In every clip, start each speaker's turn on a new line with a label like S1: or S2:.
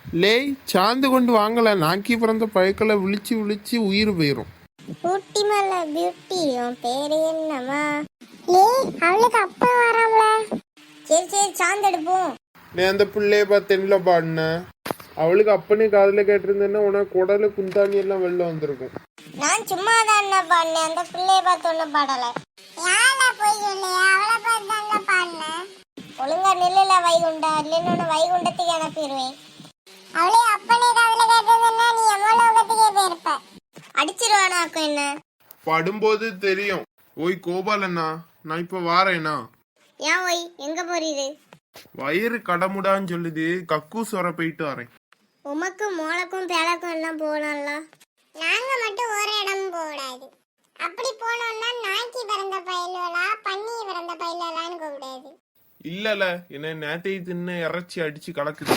S1: லேய் சாந்து கொண்டு வாங்கல, நாக்கி பிறந்த பழக்கல விழிச்சு விழிச்சு உயிர் போயிரும்.
S2: ஊட்டி மல்ல பியூட்டி, உன் பேரு என்னம்மா? அவளுக்கு அப்பா வராமல. சரி சரி சாந்து எடுப்போம்.
S1: நீ அந்த பிள்ளைய பார்த்தேன்ல பாடின, அவளுக்கு அப்பனே காதுல கேட்டிருந்தேன்னா உனக்கு குடல குந்தாணி எல்லாம் வெளில வந்திருக்கும்.
S2: நான் சும்மா தான் என்ன பாடினேன், அந்த பிள்ளைய பார்த்து ஒன்னும் பாடல. யாரா போய் சொல்லியா? அவளை பார்த்து தான் பாடினேன். ஒழுங்கா நில்லுல வைகுண்டா, இல்லைன்னு வைகுண்டத்துக்கு அனுப்பிடுவேன். அவளே அப்பனே காதுல கேட்டதுன்னா நீ எவ்வளவுக்கே போயிருப்ப. அடிச்சிருவானாக்கும் என்ன
S1: படும்போது தெரியும். ஓய் கோபாலண்ணா, நான் இப்ப வாரேனா?
S2: ஏன் ஓய் எங்க போறீரு?
S1: வயிறு கடமுடான்னு சொல்லுது, கக்கூஸ் வர போயிட்டு வரேன்.
S2: உமக்கு மோளக்கும் பேலக்கும் எல்லாம் போகலாம்ல. நாங்க மட்டும் ஒரு இடம் போடாது. அப்படி போனோம்னா நாய்க்கு பிறந்த பயிலா பன்னி பிறந்த பயிலான்னு கூப்பிடாது.
S1: இல்லல, என்ன நேத்தையை தின்னு இறைச்சி அடிச்சு கலக்குது.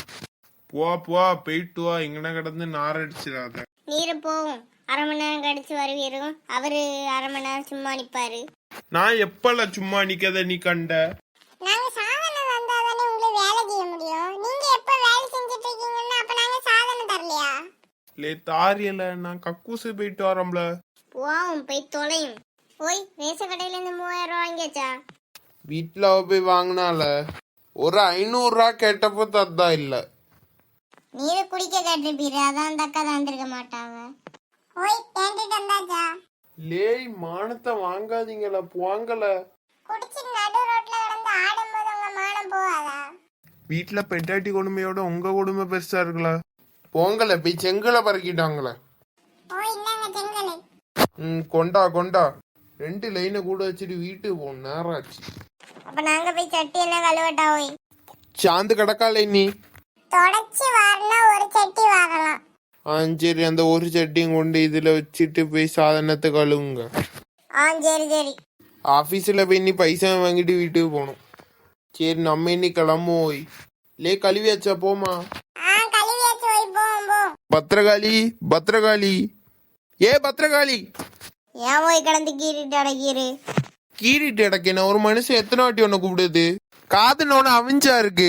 S1: போ போயிட்டு வா, இங்கன கிடந்து நார் அடிச்சிடாத.
S2: நீரு போவோம், அரை மணி நேரம் கழிச்சு வருவீரும். அவரு அரை மணி நேரம் சும்மா நிப்பாரு.
S1: நான் எப்பல சும்மா நிக்கத நீ கண்ட?
S2: நாங்க சாதனை வந்தாதானே உங்களுக்கு வேலை செய்ய முடியும். நீங்க எப்ப வேலை செஞ்சுட்டு இருக்கீங்கன்னா அப்ப நாங்க சாதனை தரலையா?
S1: லே தாரியல, நான் கக்கூசு போயிட்டு வரேன்ல.
S2: போவோம், போய் தொலையும். போய் ரேச கடையில இருந்து 3000 ரூபாய் வாங்கியாச்சா?
S1: வீட்டுல போய் வாங்கினால ஒரு 500 ரூபா கேட்டப்போ தத்தா இல்ல.
S2: நீரு குடிக்க கேட்டிருப்பீரு, அதான் அந்த அக்கா தந்திருக்க மாட்டாங்க. ஓய் கேட்டுட்டு வந்தாச்சா?
S1: லேய் மானத்தை வாங்காதீங்களா, போங்கல.
S2: குடிச்சு நடு ரோட்ல கிடந்து ஆடும்போது உங்க மானம் போவாதா?
S1: வீட்டுல பெட்டாட்டி கொடுமையோட உங்க கொடுமை பெருசா இருக்குல்ல. போங்கல, போய் செங்கலை பறக்கிட்டாங்கள.
S2: ஓய் இந்தாங்க செங்கலை.
S1: கொண்டா கொண்டா. 2 லைனை கூட வச்சுட்டு வீட்டுக்கு போகணும், நேரம் ஆச்சு.
S2: அப்ப நாங்க போய் சட்டி என்ன கழுவட்டா? ஓய்
S1: சாந்து கிடக்கால நீ
S2: தொடச்சி வாரினா ஒரு சட்டி வாரலாம்.
S1: சரி, அந்த ஒரு சட்டியும் கொண்டு இதுல வச்சுட்டு போய் சாதனத்தை கழுவுங்க.
S2: சரி சரி.
S1: ஆபீஸ்ல போய் நீ பைசா வாங்கிட்டு வீட்டுக்கு போகணும். சரி நம்ம இன்னைக்கு கிளம்புவோம். லே கழுவியாச்சா? போமா.
S2: கழுவியாச்சு. ஓய் போவோம் போ.
S1: பத்திரகாளி பத்திரகாளி, ஏ பத்திரகாளி.
S2: ஏன் ஓய் கிடந்து கீறிட்டு அடக்கிரு?
S1: கீறிட்டு அடக்கேன ஒரு மனுஷன் எத்தனை வாட்டி உன்னை கூப்பிடுது? காதுனோட அவிஞ்சா இருக்கு.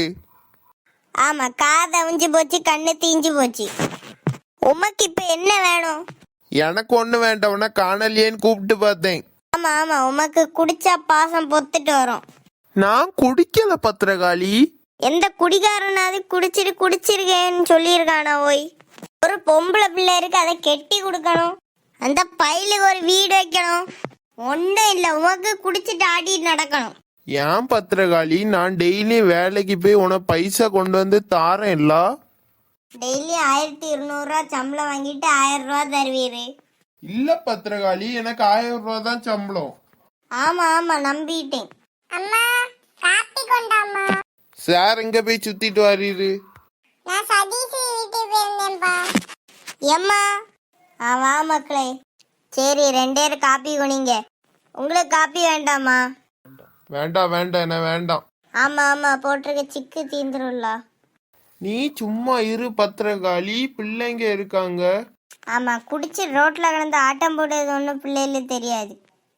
S2: ஆமா, காது அவிஞ்சு போச்சு, கண்ணு தீஞ்சு போச்சு. உமக்கு இப்ப என்ன வேணும்?
S1: எனக்கு ஒண்ணு வேண்டாம், உன்னை காணலையேன்னு கூப்பிட்டு பார்த்தேன்.
S2: ஆமா ஆமா, உமக்கு குடிச்சா பாசம் பொத்துட்டு வரும்.
S1: நான் குடிக்கல பத்திரகாளி.
S2: எந்த குடிகாரனாவது குடிச்சிருக்கேன்னு சொல்லியிருக்கானா? ஓய் ஒரு பொம்பளை பிள்ளை இருக்கு, அதை கெட்டி கொடுக்கணும். அந்த பையலுக்கு ஒரு வீடு வைக்கணும். ஒன்றும் இல்லை, உமக்கு குடிச்சிட்டு ஆடிட்டு நடக்கணும்.
S1: ஏன் பத்திரகாளி, நான் டெய்லி வேலைக்கு போய் உனக்கு பைசா கொண்டு வந்து தாரேன் இல்ல?
S2: டெய்லி 1200 ரூபா சம்பளம் வாங்கிட்டு 1000 ரூபா தருவீரு.
S1: இல்ல பத்திரகாளி, எனக்கு 1000 ரூபா தான் சம்பளம்.
S2: ஆமா ஆமா, நம்பிட்டேன். அம்மா காப்பி கொண்டாம்மா.
S1: சார் எங்க போய் சுத்திட்டு வரீரு?
S2: நான் சதீஷ் வீட்டுக்கு போயிருந்தேன்பா. எம்மா வா மக்களே. சரி 2 பேரும் காப்பி குடிங்க. உங்களுக்கு காப்பி வேண்டாமா?
S1: வேண்டாம் வேண்டாம், என்ன வேண்டாம்.
S2: ஆமா ஆமா, போட்டிருக்க சிக்கு தீந்துரும்ல.
S1: நீ சும்மா இரு பத்திரகாளி, பிள்ளைங்க இருக்காங்க.
S2: ஆமா, குடிச்சு ரோட்ல கிடந்து ஆட்டம் போடுறது ஒன்றும் பிள்ளைகளுக்கு தெரியாது.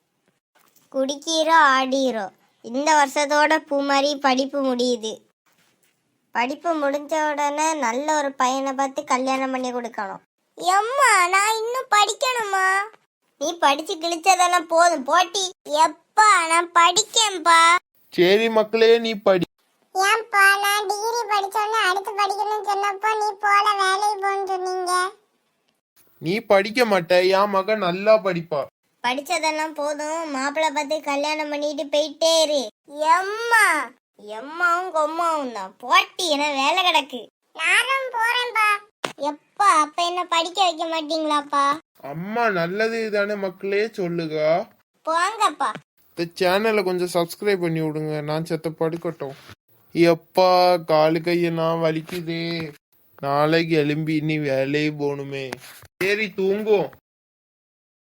S2: குடிக்கிறோ ஆடிரோ. இந்த வருஷத்தோட பூமாரி படிப்பு முடியுது. படிப்பு முடிஞ்ச உடனே நல்ல ஒரு பையனை பார்த்து கல்யாணம் பண்ணி கொடுக்கணும். எம்மா நான் இன்னும் படிக்கணுமா? நீ படிச்சு கிழிச்சதெல்லாம் போதும் போட்டி. எப்பா நான் படிக்கேன்பா.
S1: சரி மக்களே, நீ படி.
S2: ஏன்பா நான் டிகிரி படிச்சோன்னே அடுத்து படிக்கணும்னு சொன்னப்போ நீ போல வேலைக்கு போன்னு சொன்னீங்க.
S1: நீ படிக்க மாட்ட, என் மகன் நல்லா படிப்பா.
S2: படிச்சதெல்லாம் போதும், மாப்பிள்ளை பார்த்து கல்யாணம் பண்ணிட்டு போயிட்டே இரு. எம்மா எம்மாவும் கொம்மாவும் தான் போட்டி, என்ன வேலை கிடக்கு. நானும் போறேன்பா. எப்பா அப்ப என்ன படிக்க வைக்க மாட்டீங்களாப்பா?
S1: அம்மா நல்லது தானே மக்களே, சொல்லுங்க.
S2: போங்கப்பா.
S1: இந்த சேனலை கொஞ்சம் சப்ஸ்கிரைப் பண்ணி விடுங்க, நான் செத்த படுக்கட்டும். எப்பா காலு கையெல்லாம் வலிக்குதே, நாளைக்கு எலும்பி நீ வேலையை போகணுமே. சரி தூங்குவோம்.